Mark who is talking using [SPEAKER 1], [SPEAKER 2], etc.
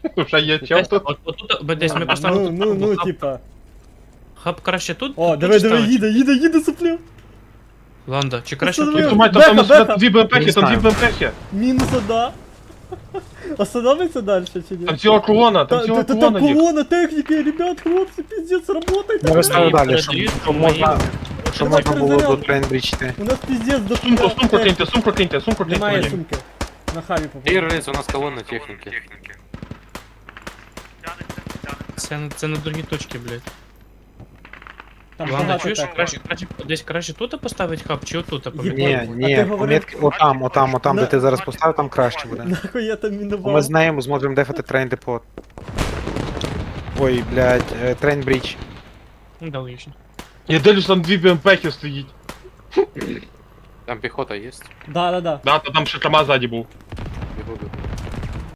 [SPEAKER 1] Вже є чел тут.
[SPEAKER 2] От тут десь ми поставили тут.
[SPEAKER 3] Ну,
[SPEAKER 2] хаб.
[SPEAKER 3] типа.
[SPEAKER 2] Хаб краще тут?
[SPEAKER 3] О,
[SPEAKER 2] тут
[SPEAKER 3] диви,
[SPEAKER 2] чи ставити?
[SPEAKER 3] їде, суплю.
[SPEAKER 2] Ланда, чи краще
[SPEAKER 3] Останови.
[SPEAKER 2] тут?
[SPEAKER 1] Думаю,
[SPEAKER 3] Беха,
[SPEAKER 1] там
[SPEAKER 3] беха.
[SPEAKER 1] дві БМПхи,
[SPEAKER 4] Не
[SPEAKER 1] там дві
[SPEAKER 4] знаю.
[SPEAKER 1] БМПхи.
[SPEAKER 3] Мінус одна. Остановиться далі чи ні?
[SPEAKER 1] Там ціла колона, там ціла
[SPEAKER 3] Там
[SPEAKER 1] колона їх.
[SPEAKER 3] колона техніки, ребят, хлопці, пиздец, работайте.
[SPEAKER 4] Я розставив далі,
[SPEAKER 2] передають,
[SPEAKER 4] щоб можна, щоб
[SPEAKER 3] Давай,
[SPEAKER 4] можна було до
[SPEAKER 3] перезаряд.
[SPEAKER 4] трейнбрічити.
[SPEAKER 3] У нас пиздец до
[SPEAKER 1] Сумку киньте, сумку киньте, сумку киньте.
[SPEAKER 3] Немає
[SPEAKER 1] мені.
[SPEAKER 3] сумки. На хаві попав.
[SPEAKER 5] Рейс, у нас колонна техники.
[SPEAKER 2] Це на другі точки, блядь.
[SPEAKER 3] Там
[SPEAKER 2] Ладно,
[SPEAKER 3] багато
[SPEAKER 2] чуєш,
[SPEAKER 3] техніки.
[SPEAKER 2] десь краще тут поставити хаб, чи отут?
[SPEAKER 4] Ні,
[SPEAKER 3] А ти
[SPEAKER 4] ні,
[SPEAKER 3] говорив-
[SPEAKER 4] помітки, отам, де ти зараз поставив, там краще буде.
[SPEAKER 3] Нахуй я там
[SPEAKER 4] Бо
[SPEAKER 3] мінував.
[SPEAKER 4] ми з нею зможемо дефати трейн депот. Ой, блядь, трейн бріч.
[SPEAKER 2] Ну, да, логічно.
[SPEAKER 1] Я дивлюсь, там дві БМПхи стоїть.
[SPEAKER 5] Там пехота есть.
[SPEAKER 3] Да.
[SPEAKER 1] Да, та там ще Камаз ззаді був.